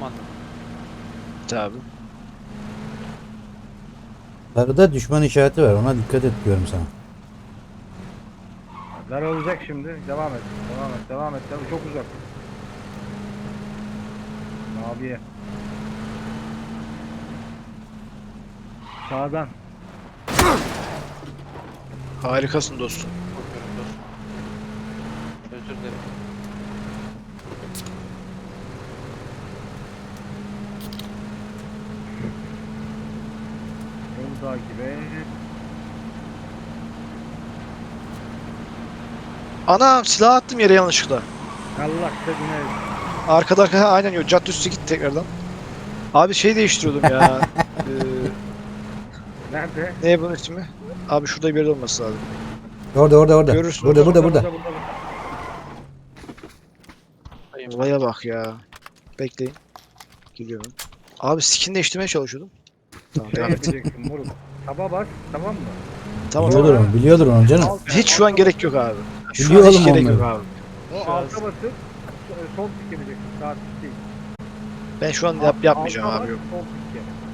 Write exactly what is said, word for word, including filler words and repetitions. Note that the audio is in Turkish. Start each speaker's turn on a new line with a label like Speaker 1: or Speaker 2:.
Speaker 1: anladım.
Speaker 2: Tabi.
Speaker 3: Sarıda düşman işareti var. Ona dikkat et diyorum sana.
Speaker 4: Daralacak şimdi. Devam et. Devam et. Devam et. Tabii çok uzak. Maviye. Sağdan.
Speaker 2: Harikasın dostum.
Speaker 1: Korkuyorum dostum. Özür dilerim.
Speaker 4: Yolu takip et.
Speaker 2: Anam silah attım yere yanlışlıkla.
Speaker 4: Allah sevgine.
Speaker 2: Arkada arkada aynen yok. Cadde üstü git tekrardan. Abi şey değiştiriyordum ya. ee,
Speaker 4: Nerede?
Speaker 2: ne bunun ismi? Abi şurada bir yerde olması lazım.
Speaker 3: Orada orada orada.
Speaker 2: Görürsün.
Speaker 3: Burada burada burada.
Speaker 1: Dayım.
Speaker 2: Olaya bak ya. Bekleyin. Geliyorum. Abi skin değiştirmeye çalışıyordum. Tamam
Speaker 4: Şey
Speaker 2: devam et.
Speaker 4: yapacaksın moruk. Taba bas, tamam mı?
Speaker 2: Tamam
Speaker 3: Biliyordur
Speaker 2: tamam.
Speaker 3: onu. Biliyordur onu canım.
Speaker 4: Alt-
Speaker 2: Hiç şu an gerek yok abi. Şu
Speaker 3: Biliyor
Speaker 2: an hiç
Speaker 3: oğlum
Speaker 2: gerek
Speaker 3: onları.
Speaker 2: yok abi.
Speaker 4: O
Speaker 1: Şu an-
Speaker 4: alta basıp so- sol tık yapacaksın. Sağ tık değil.
Speaker 2: Ben şu an yap, yapmayacağım
Speaker 4: Alta
Speaker 2: abi
Speaker 4: bas,
Speaker 2: yok.
Speaker 4: sol tık yap.